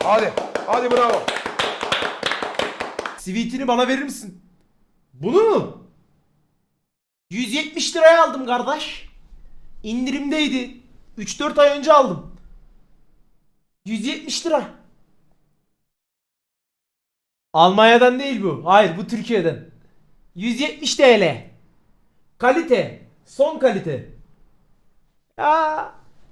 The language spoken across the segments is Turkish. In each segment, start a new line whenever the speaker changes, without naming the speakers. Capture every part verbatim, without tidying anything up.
Hadi. Hadi bravo.
Sweet'ini bana verir misin? Bunu mu? yüz yetmiş liraya aldım kardeş. İndirimdeydi. üç dört ay önce aldım. yüz yetmiş lira. Almanya'dan değil bu. Hayır, bu Türkiye'den. yüz yetmiş T L. Kalite. Son kalite. Ya.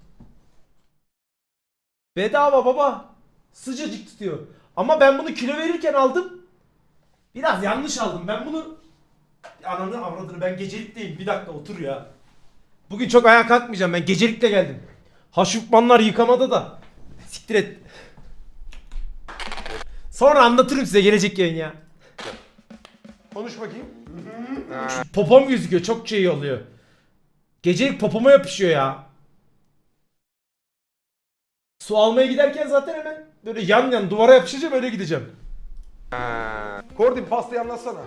Bedava baba. Sıcacık tutuyor. Ama ben bunu kilo verirken aldım. Biraz yanlış aldım. Ben bunu... Ananı avradını, ben gecelikteyim. Bir dakika otur ya. Bugün çok ayağa kalkmayacağım. Ben gecelikle geldim. Haşupmanlar yıkamada da. Siktir et. Sonra anlatırım size gelecek yayın ya.
Konuş bakayım.
Popom gözüküyor. Çok şey oluyor. Gecelik popoma yapışıyor ya. Su almaya giderken zaten hemen böyle yan yan duvara yapışacağım, öyle gideceğim.
Kordi pastayı anlatsana.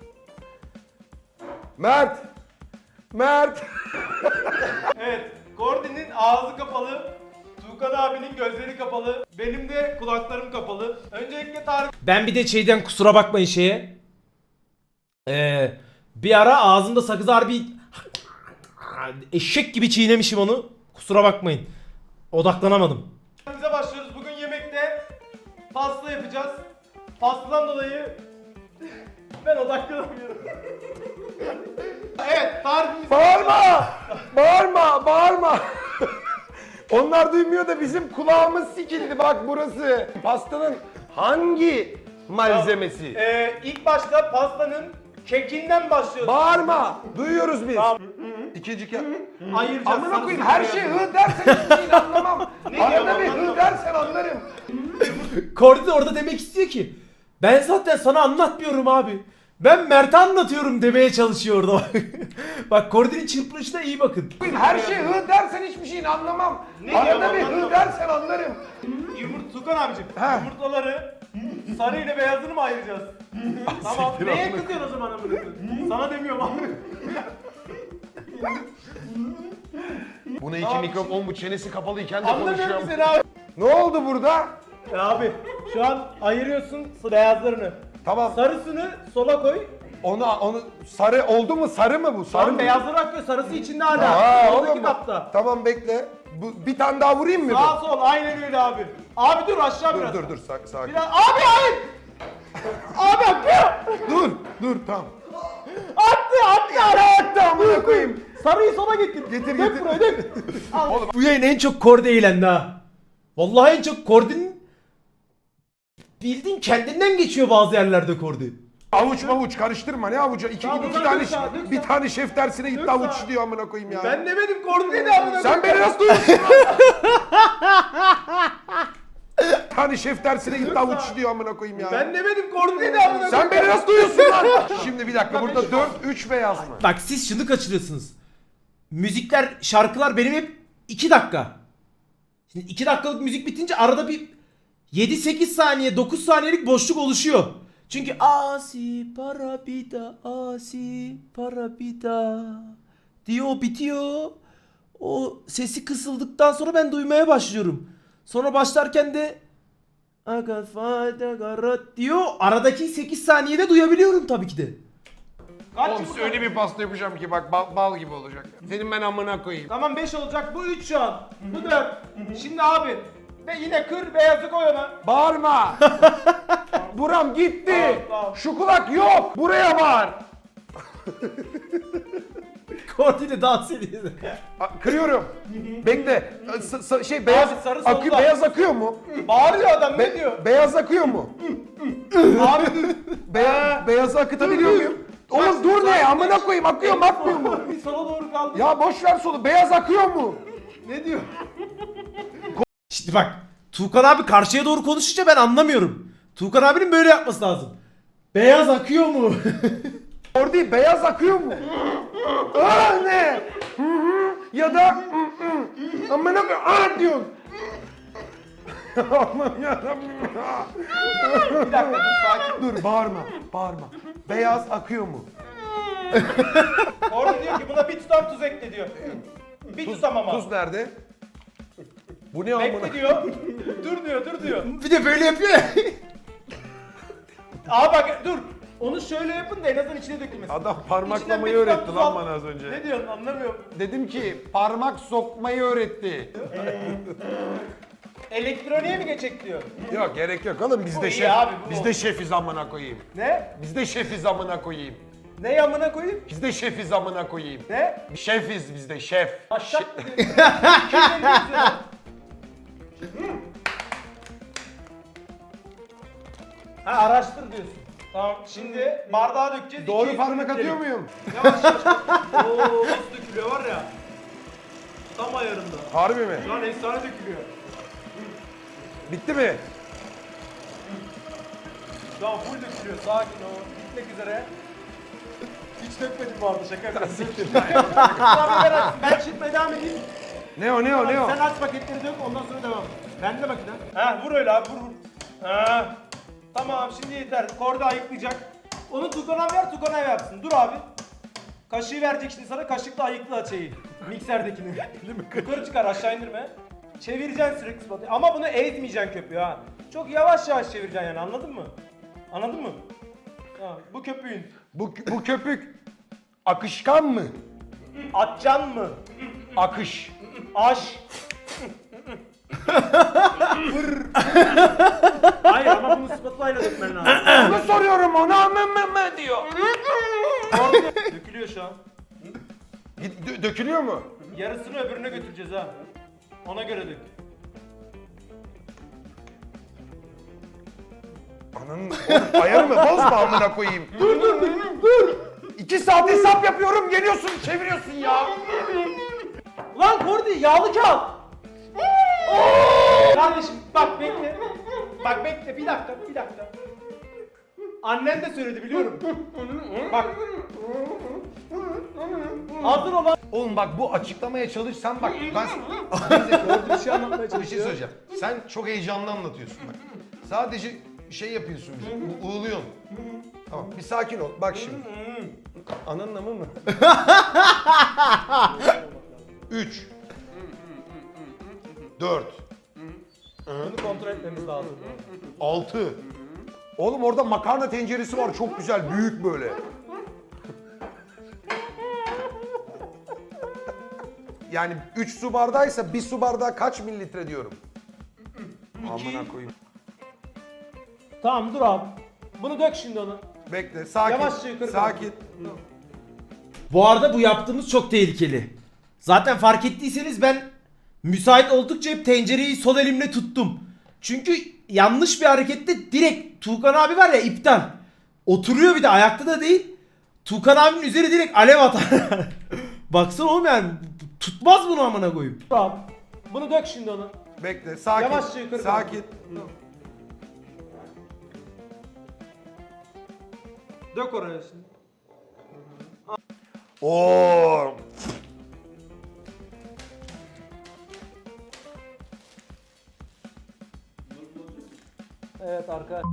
Mert. Mert.
Evet, Gordy'nin ağzı kapalı, Tuğkan abinin gözleri kapalı, benim de kulaklarım kapalı. Öncelikle tarif...
Ben bir de şeyden kusura bakmayın şeye. Ee, bir ara ağzımda sakız harbi eşek gibi çiğnemişim onu. Kusura bakmayın. Odaklanamadım.
Bize başlıyoruz. Bugün yemekte pasta yapacağız. Pastadan dolayı ben odaklanamıyorum. Evet, tarifimiz...
Bağırma. Bağırma. Bağırma. Onlar duymuyor da bizim kulağımız sikildi bak burası. Pastanın hangi malzemesi?
Ee, ilk başta pastanın kekinden başlıyoruz.
Bağırma. Duyuyoruz biz.
Tamam.
İkinci kez.
Ayıracağız.
Amına koyayım
sarısını
her şey
beyazını.
hı dersen hiçbir şeyini anlamam.
Ne
Arada
diyor,
bir
anladım.
hı dersen anlarım.
Kordi de orada demek istiyor ki ben zaten sana anlatmıyorum abi. Ben Mert'e anlatıyorum demeye çalışıyor orada. Bak Kordi'nin çırpınışına iyi bakın.
Her şey hı dersen hiçbir şeyini anlamam.
Ne
Arada
diyor,
bir
anladım.
hı dersen anlarım.
Yumurta Tukan abicim.
He.
Yumurtaları sarı ile beyazını mı ayıracağız? Tamam. Neye kızıyorsun o zaman amına koyayım? Sana demiyorum abi.
Buna iki
Abi,
mikrofon bu çenesi kapalıyken de
Anlamıyorum
konuşuyor.
ki seni abi.
Ne oldu burada?
Ya abi şu an ayırıyorsun beyazlarını.
Tamam.
Sarısını sola koy.
Onu onu sarı oldu mu? Sarı mı bu? Sarı
Sarı
mı?
beyazları akıyor. Sarısı içinde hala.
Aa,
Soldaki
oğlum,
kapta.
Tamam bekle. Bu, bir tane daha vurayım mı?
Sağ sol aynen öyle abi. Abi dur aşağı
Dur
biraz.
dur dur sak, sakin.
Biraz. Abi hayır. Abi akıyor.
Dur dur tamam.
Attı attı.
Attı amına koyayım.
Sarıyı sola getir.
Getir
Dök
getir.
buraya dök. Al.
Bu yayın en çok Kordi eğlendi ha. Vallahi en çok Kordi'nin bildiğin kendinden geçiyor bazı yerlerde Kordi.
Avuç mavuç karıştırma ne avucu? İki,
Tamam,
iki
dök
tane
sağa, dök
bir
sağa.
tane şef dersine gitti
Dök
avuç
sağa.
diyor amına koyayım ya.
Ben demedim koordineli amına
Sen beni nasıl duyuyorsun lan? Bir tane şef dersine gitti avuç diyor amına koyayım ya.
Ben demedim koordineli amına koyayım.
Sen beni nasıl duyuyorsun lan? Şimdi bir dakika burada dört üç beyaz mı?
Bak siz şunu kaçırıyorsunuz. Müzikler, şarkılar benim hep iki dakika. Şimdi iki dakikalık müzik bitince arada bir yedi sekiz saniye, dokuz saniyelik boşluk oluşuyor. Çünkü asi para bida, asi para bida diyor, o bitiyor. O sesi kısıldıktan sonra ben duymaya başlıyorum. Sonra başlarken de aga fayda garat diyor. Aradaki sekiz saniyede duyabiliyorum tabii ki de.
Kaç
Oğlum
yumurta?
size öyle bir pasta yapacağım ki bak bal, bal gibi olacak. Senin ben amına koyayım.
Tamam beş olacak. Bu üç şu an. Bu dört. Şimdi abi. Ve yine kır beyazı koy ona.
Bağırma. Buram gitti.
Tamam, tamam.
Şu kulak yok. Buraya bağır.
Kordi ile dans ediyor.
A- Kırıyorum. Bekle. S- s- şey beyaz
Abi, sarı
akıyor,
solda.
beyaz akıyor mu?
Bağırıyor adam ne
Be-
diyor?
Beyaz akıyor mu?
Abi dur.
Be- beyazı akıtabiliyor muyum? Oğlum dur ne? Amına koyayım akıyor mu akmıyor mu?
Bir sola doğru kaldı.
Ya boş ver solu. Beyaz akıyor mu?
Ne diyor?
Şimdi bak, Tuğkan abi karşıya doğru konuşunca ben anlamıyorum. Tuğkan abinin böyle yapması lazım. Beyaz akıyor mu?
Orada beyaz akıyor mu? Aa ne? Hı hı. Ya da hı hı. Amına koyayım. Aa diyorsun. Allah'ım yarabbim ya.
Bir dakika dur sakin.
Dur bağırma. Bağırma. Beyaz akıyor mu?
Orada diyor ki buna bir tutam tuz ekle diyor. Bir tutam ama.
Tuz nerede? Bu ne amına?
Bekle diyor. Dur diyor, dur diyor.
Bir de böyle yapıyor ya.
Aa bak dur. Onu şöyle yapın da en azından içine dökülmesin.
Adam
İçinden
parmaklamayı
bir tutam
öğretti
tuz
lan
al.
bana az önce.
Ne diyorsun anlamıyorum.
Dedim ki parmak sokmayı öğretti.
Elektroniğe mi geçecek diyor.
Yok gerek yok oğlum biz
Bu
de
iyi
şef.
abi, bu
Biz
oldu.
de şefiz amına koyayım.
Ne?
Biz de şefiz amına koyayım.
Ne yamına koyayım?
Biz de şefiz amına koyayım.
Ne?
Şefiz biz de şef.
Aşağı mı diyor? iki yüz elli yazıyor. Ha araştır diyorsun. Tamam şimdi bardağa dökeceğiz.
Doğru
iki yüz
parmak
mililitrelik.
atıyor muyum?
Yavaş yavaş. Oo nasıl dökülüyor var ya. Tam ayarında.
Harbi mi?
Şu an efsane dökülüyor.
Bitti mi?
Şu an full dökülüyor. Sakin ol. Bitmek üzere. Hiç dökmedim bu arada şaka yapıyorum. Abi ver aç. Ben çırpmaya devam edeyim.
Ne o ne o ne o?
Sen aç paketleri dök ondan sonra devam. Ben de makine. Ha vur öyle abi vur vur. Ha. Tamam şimdi yeter. Korda ayıklayacak. Onu Tukan'a ver Tukan'a yapsın. Dur abi. Kaşığı verecek şimdi sana. Kaşıkla ayıkla şeyi. Mikserdekini. Yukarı çıkar aşağı indirme. Çevireceksin sürekli spatula. Ama bunu ezmeyeceksin köpüğü ha. Çok yavaş yavaş çevireceksin yani anladın mı? Anladın mı? Ha, bu köpüğün.
Bu, bu köpük akışkan mı?
Atcan mı?
Akış.
Aş. Vır. Hayır ama bunu spatula ile dökmen lazım.
Onu soruyorum ona mı mı mı diyor.
Orada dökülüyor şu an.
Git, dö- dökülüyor mu?
Yarısını öbürüne götüreceğiz ha. Ona göre dök.
Ananın oğlum ayarımı bozma amına koyayım. Dur dur dur dur. İki saat hesap yapıyorum geliyorsun çeviriyorsun ya.
Lan Kordi yağlı kağıt. Kardeşim bak bekle. Bak bekle bir dakika bir dakika. Annen de söyledi biliyorum. Bak. Hazır olan.
Oğlum bak bu açıklamaya çalışsan bak ben neyse doğru
Bir şey anlatmaya
bir şey
çalışıyor.
söyleyeceğim. Sen çok heyecanlı anlatıyorsun bak. Sadece şey yapıyorsun bize. u- Uğuluyorsun. Tamam bir sakin ol. Bak şimdi. Ananın amı mı? Üç. Dört.
Bunu kontrol etmemiz lazım.
Altı. Oğlum orada makarna tenceresi var çok güzel büyük böyle. Yani üç su bardağıysa bir su bardağı kaç mililitre diyorum. Amına koyayım.
Tamam dur abi. Bunu dök şimdi onu.
Bekle sakin.
Yavaşça yukarı
Sakin.
Bu arada bu yaptığımız çok tehlikeli. Zaten fark ettiyseniz ben müsait oldukça hep tencereyi sol elimle tuttum. Çünkü yanlış bir harekette direkt Tuğkan abi var ya iptal. Oturuyor bir de ayakta da değil. Tuğkan abinin üzeri direkt alev atar. Baksana oğlum yani tutmaz bunu amına koyayım.
Dur abi. Bunu dök şimdi onu.
Bekle sakin.
Yavaşça yukarı
Sakin.
Dök oraya şimdi.
Oo.
Evet arkadaş.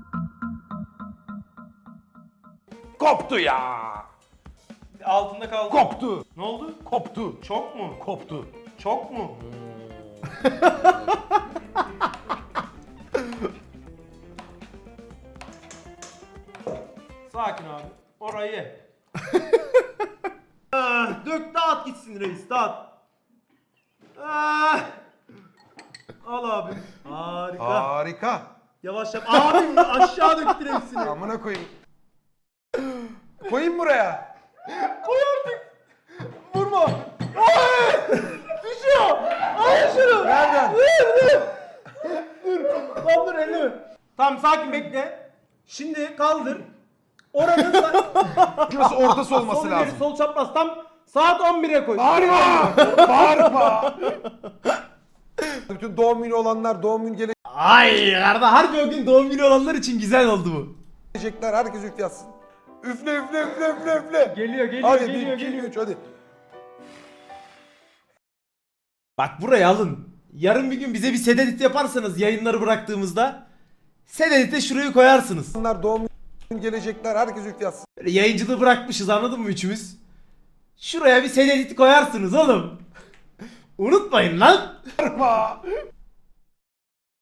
Koptu ya.
Altında kaldı.
Koptu.
Ne oldu?
Koptu.
Çok mu?
Koptu.
Çok mu? Sakin abi. Orayı ye. Ah, dök dağıt gitsin reis dağıt. Ah. Al abi. Harika.
Harika.
Yavaş yap. Abi aşağı döktür hepsini.
Amına koyayım. Koyayım buraya.
Koy artık. Vurma. Ay! Düşüyor. Ay şunu.
Nereden?
Dur dur. Dur. Lan dur elini. Tamam sakin bekle. Şimdi kaldır. Oranın sa-
Şurası ortası olması
sol ileri
lazım.
sol çapraz tam saat on bire koy.
Bağırma! Bağırma! Bütün doğum günü olanlar, doğum günü
Ay kardeş harbi o gün doğum günü olanlar için güzel oldu bu.
gelecekler, herkes üflesin. Üfle üfle üfle üfle üfle.
Geliyor geliyor
Hadi
geliyor
bir, iki,
geliyor.
üç hadi.
Bak buraya alın. Yarın bir gün bize bir set edit yaparsanız yayınları bıraktığımızda set edit'e şurayı koyarsınız.
Onlar doğum günü gelecekler, herkes üflesin.
Böyle yayıncılığı bırakmışız anladın mı üçümüz? Şuraya bir set edit koyarsınız oğlum. Unutmayın lan.